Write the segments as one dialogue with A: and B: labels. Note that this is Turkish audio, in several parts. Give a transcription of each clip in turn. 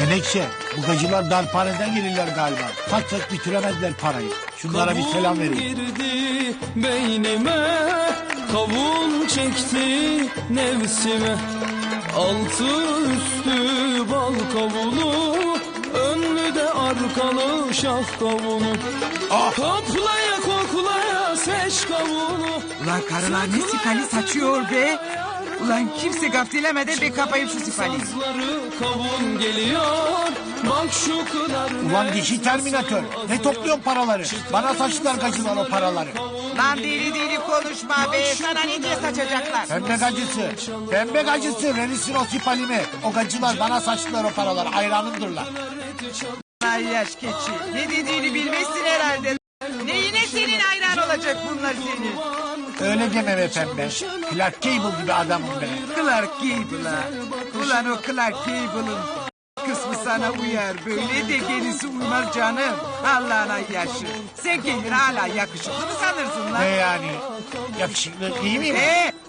A: Menekşe, bu gacılar darphaneden gelirler galiba. Kaç saç bitiremediler parayı. Şunlara bir selam verin.
B: Girdi beynime, kavun çekti nefsime. Altı üstü bal kavunu, önlü de arkalı şah kavunu. Koklaya koklaya seç kavunu.
C: Ulan karılar ne sipali saçıyor be. Ulan kimse gaftilemeden be kapayım şu sipali.
B: Sazları kavun geliyor, bak şu kadar.
A: Ulan dişi terminatör. Ne topluyorsun paraları? Bana saçtılar gacılar o paraları.
C: Lan deli deli konuşma be. Sana ne diye saçacaklar?
A: Pembe gacısı. Pembe gacısı. Verirsin o sipalimi. O gacılar bana saçtılar o paraları. Hayranımdırlar.
C: Ay yaş keçi. Ne dediğini bilmezsin herhalde. Neyine senin hayran olacak bunlar senin?
A: Öyle deme be pembe. Clark Gable gibi adamım be.
C: Clark Gable'a. Ulan o Clark Gable'ın kısmı sana uyar. Böyle de gerisi uymaz canım. Allah'ına yaşı. Sen kendini hala yakışıklı mı sanırsın lan?
A: Ne yani? Yakışıklı değil miyim?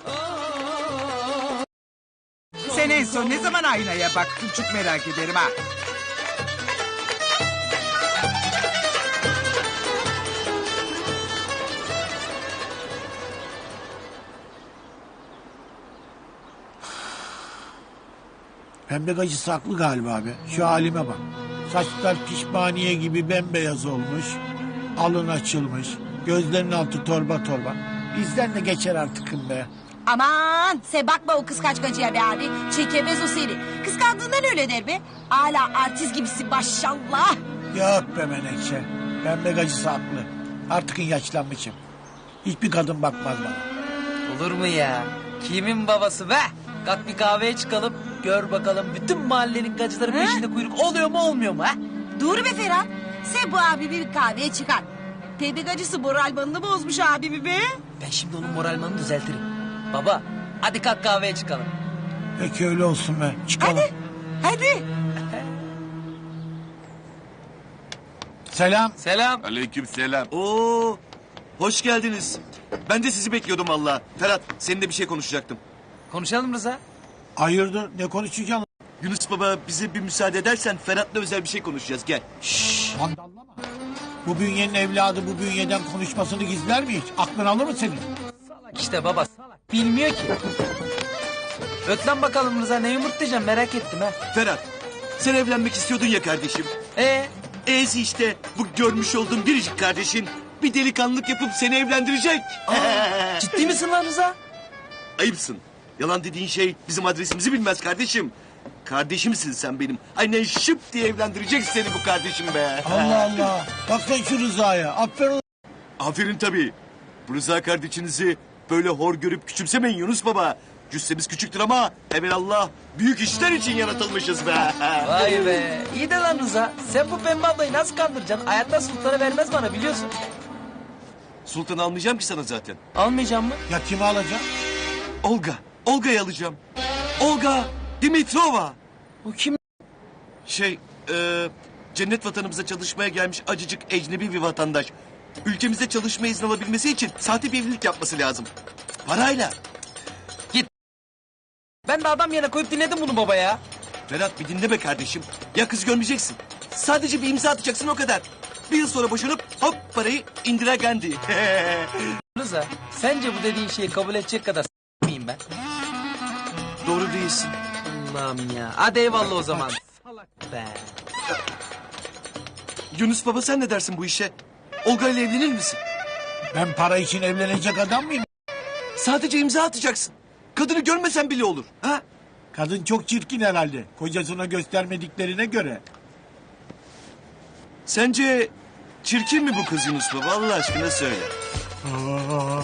C: Sen en son ne zaman aynaya baktın çok merak ederim ha.
A: Pembe gacısı haklı galiba abi. Şu halime bak. Saçlar pişmaniye gibi bembeyaz olmuş. Alın açılmış. Gözlerinin altı torba torba. Bizden de geçer artıkım be.
D: Aman sen bakma o kıskaç gacıya be abi. Çekemez o seni. Kıskandığından öyle der be. Hala artist gibisin maşallah.
A: Yok be Menekşe. Pembe gacısı haklı. Artık yaşlanmışım. Hiçbir kadın bakmaz bana.
E: Olur mu ya? Kimin babası be? Kalk bir kahveye çıkalım. Gör bakalım bütün mahallenin gacıları peşinde kuyruk oluyor mu olmuyor mu ha?
D: Dur be Ferhat. Sen bu abimi bir kahveye çıkar. Pembe gacısı moral bandını bozmuş abimi be.
E: Ben şimdi onun moralmanını düzeltirim. Baba hadi kalk kahveye çıkalım.
A: Peki öyle olsun be. Çıkalım.
D: Hadi.
A: Selam.
E: Selam.
F: Aleykümselam. Oo, hoş geldiniz. Ben de sizi bekliyordum valla. Ferhat, seninle bir şey konuşacaktım.
E: Konuşalım Rıza.
A: Hayırdır ne konuşacaksın?
F: Yunus baba bize bir müsaade edersen Ferhat'la özel bir şey konuşacağız. Gel.
A: Vandallama. Bu bünyenin evladı bu bünyeden konuşmasını gizler mi hiç? Aklın alır mı senin?
E: Salak işte baba salak. Bilmiyor ki. Öt lan bakalım Rıza ne yumurtlayacağım merak ettim ha.
F: Ferhat, sen evlenmek istiyordun ya kardeşim. E'si işte bu görmüş olduğum biricik kardeşin bir delikanlılık yapıp seni evlendirecek.
E: Ciddi misin lan Rıza?
F: Ayıpsın. Yalan dediğin şey bizim adresimizi bilmez kardeşim. Kardeşimsin sen benim. Aynen şıp diye evlendirecek seni bu kardeşim be.
A: Allah Allah. Bak sen şu Rıza'ya. Aferin.
F: Aferin tabii. Bu Rıza kardeşinizi böyle hor görüp küçümsemeyin Yunus baba. Cüssemiz küçüktür ama evelallah büyük işler için yaratılmışız be.
E: Vay be. İyi de lan Rıza. Sen bu pembe ablayı nasıl kandıracaksın? Hayatta sultanı vermez bana biliyorsun.
F: Sultan almayacağım ki sana zaten.
E: Almayacağım mı?
A: Ya kimi alacak?
F: Olga. Olga'yı alacağım. Olga Dimitrova.
E: O kim?
F: Cennet vatanımıza çalışmaya gelmiş acıcık ecnebi bir vatandaş. Ülkemizde çalışma izni alabilmesi için sahte bir evlilik yapması lazım. Parayla.
E: Ben de adam yerine koyup dinledim bunu baba ya.
F: Ferhat bir dinle be kardeşim. Ya kız görmeyeceksin. Sadece bir imza atacaksın o kadar. Bir yıl sonra boşanıp hop parayı Indira Gandhi.
E: Rıza sence bu dediğin şeyi kabul edecek kadar miyim ben?
F: Doğru değilsin.
E: Allah'ım ya. Hadi eyvallah o zaman. Salak be.
F: Yunus baba sen ne dersin bu işe? Olga ile evlenir misin?
A: Ben para için evlenecek adam mıyım?
F: Sadece imza atacaksın. Kadını görmesen bile olur. Ha?
A: Kadın çok çirkin herhalde. Kocasına göstermediklerine göre.
F: Sence çirkin mi bu kız Yunus baba? Allah aşkına söyle.
A: Aa.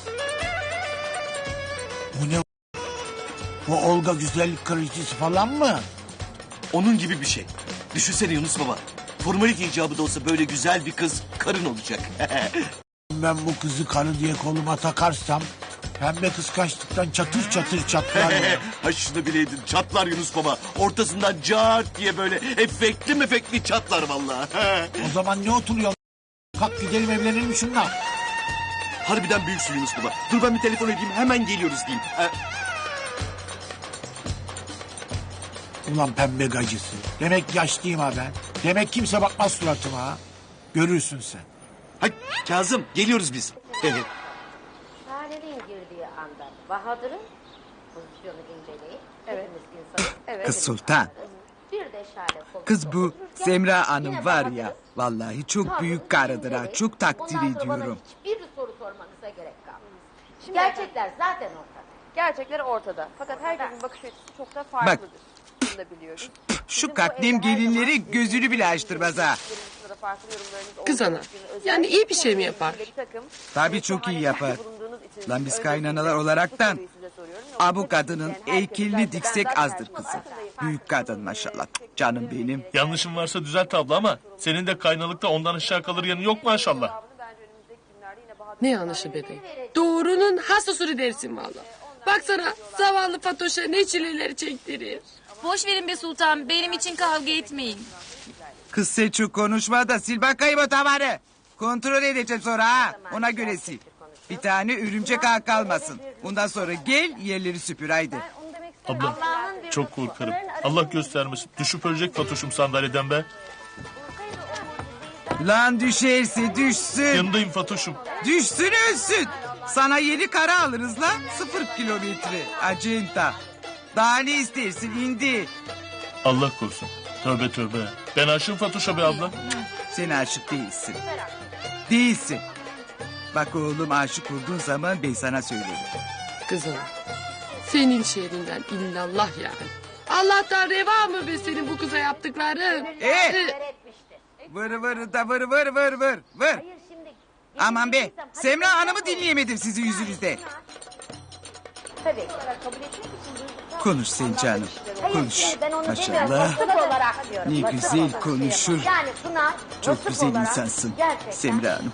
A: Bu ne? Bu Olga güzellik kraliçesi falan mı?
F: Onun gibi bir şey. Düşünsene Yunus baba. Formalite icabı da olsa böyle güzel bir kız karın olacak.
A: Ben bu kızı karı diye koluma takarsam... Pembe kıskançlıktan çatır çatır çatlar.
F: Ha şunu bileydin çatlar Yunus baba. Ortasından cart diye böyle efektli çatlar vallahi.
A: O zaman ne oturuyor? Kalk gidelim evlenelim şunla.
F: Harbiden büyüksün Yunus baba. Dur ben bir telefon edeyim hemen geliyoruz diyeyim.
A: Ulan pembe gacısı. Demek yaşlıyım ha ben. Demek kimse bakmaz suratıma ha. Görürsün sen.
F: Hay Kazım geliyoruz biz.
G: Lale'nin girdiği anda Bahadır'ın pozisyonu inceleyip hepimiz insanız.
C: Kız Sultan.
G: Bir de Şale kolu
C: Kız bu
G: otururken
C: Semra Hanım
G: yine
C: var
G: Bahadır'ın
C: ya. Vallahi çok büyük karıdır ha. Çok takdir
G: ondan sonra bana
C: ediyorum.
G: hiçbir soru sormanıza gerek kalmaz. Gerçekler zaten ortada.
H: Gerçekler ortada. Fakat herkesin bakış açısı çok da farklıdır. Bunu da biliyoruz.
C: Şu kaknem gelinleri gözünü bile açtırmaz ha.
H: Kız ana, yani iyi bir şey mi yapar?
C: Tabii çok iyi yapar. Lan biz kaynanalar olaraktan bu kadının heykelini diksek azdır kızım. Büyük kadın maşallah. Canım benim.
I: Yanlışım varsa düzelt abla ama senin de kaynalıkta ondan aşağı kalır yanı yok maşallah.
H: Ne yanlışı bebeğim? Doğrunun has usulü dersin valla. Baksana zavallı Fatoş'a ne çileleri çektirir.
J: Boş verin be sultan. Benim için kavga etmeyin.
C: Kız sen çok konuşma da sil bakayım o tavanı. Kontrol edeceğim sonra ha. Ona göre sil. Bir tane örümcek ağ kalmasın. Ondan sonra gel yerleri süpür haydi.
I: Abla çok korkarım. Allah göstermesin. Düşüp ölecek Fatoş'um sandalyeden be.
C: Lan düşerse düşsün.
I: Yanındayım Fatoş'um.
C: Düşsün ölsün. Sana yeni kara alırız lan. 0 kilometre. Acenta. Daha ne istersin indi.
I: Allah korusun. Tövbe tövbe. Ben aşığım Fatoş'a be abla.
C: Sen aşık değilsin. Değilsin. Bak oğlum aşık olduğun zaman ben sana söylerim.
H: Kızım, senin şerrinden illallah yani. Allah'tan reva mı be senin bu kıza yaptıkların?
C: Vır vır da vır vır vır vır vır. Aman be Semra Hanım'ı dinleyemedim sizin yüzünüzde.
G: Tabii kabul etmek için duygusal...
C: Konuş sen canım. Konuş.
G: Ben onu
C: Maşallah.
G: demiyorum. Vasıf olarak diyorum.
C: Ne
G: Vasıf
C: güzel
G: olarak
C: konuşur.
G: diyorum. Yani Pınar
C: Çok
G: vasıf
C: güzel
G: olarak
C: insansın
G: gerçekten-
C: Semra Hanım.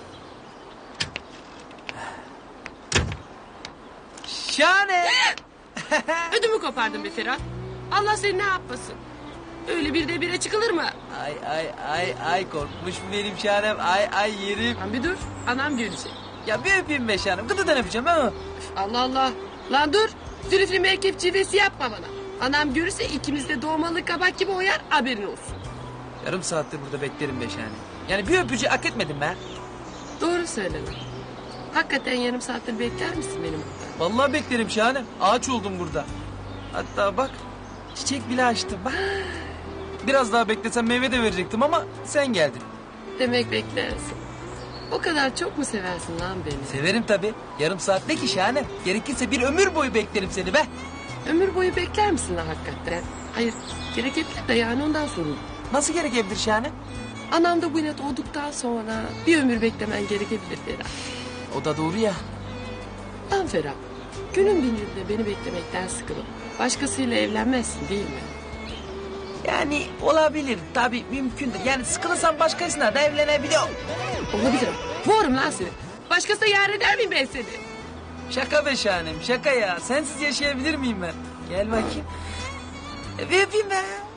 E: Şahane.
H: Ödümü kopardın be Ferhat. Allah seni ne yapmasın? Öyle bir de bire çıkılır mı?
E: Ay korkmuş mu benim şahanem? Ay yerim.
H: Lan bir dur, anam görecek.
E: Ya bir öpeyim be şahanem. Gıdıdan öpeceğim ha.
H: Allah Allah. Lan dur, zülüflü merkep civesi yapma bana. Anam görürse ikimiz de doğmalı kabak gibi oyar, haberin olsun.
E: Yarım saattir burada beklerim be şahanem. Yani bir öpücüğü hak etmedim be.
H: Doğru söyle lan. Hakikaten yarım saattir bekler misin benim burada?
E: Vallahi beklerim şahanem. Ağaç oldum burada. Hatta bak çiçek bile açtım. Bak. Biraz daha beklesem meyve de verecektim ama sen geldin.
H: Demek beklersin. O kadar çok mu seversin lan beni?
E: Severim tabii. Yarım saat ne ki şahanem? Gerekirse bir ömür boyu beklerim seni be.
H: Ömür boyu bekler misin lan hakikaten? Hayır, gerekebilir de yani ondan sorun.
E: Nasıl gerekebilir şahanem?
H: Anam da bu yine doğduktan sonra bir ömür beklemen gerekebilir Ferhat.
E: O da doğru ya.
H: Lan Ferhat, günün birinde beni beklemekten sıkılıp başkasıyla evlenmezsin değil mi?
E: Yani olabilir tabii mümkündür. Yani sıkılırsan başkasına da evlenebiliyorum.
H: Olabilirim. Vururum lan seni. Başkasına yar eder miyim ben seni?
E: Şaka be şahanem şaka ya. Sensiz yaşayabilir miyim ben? Gel bakayım. Bir öpeyim be.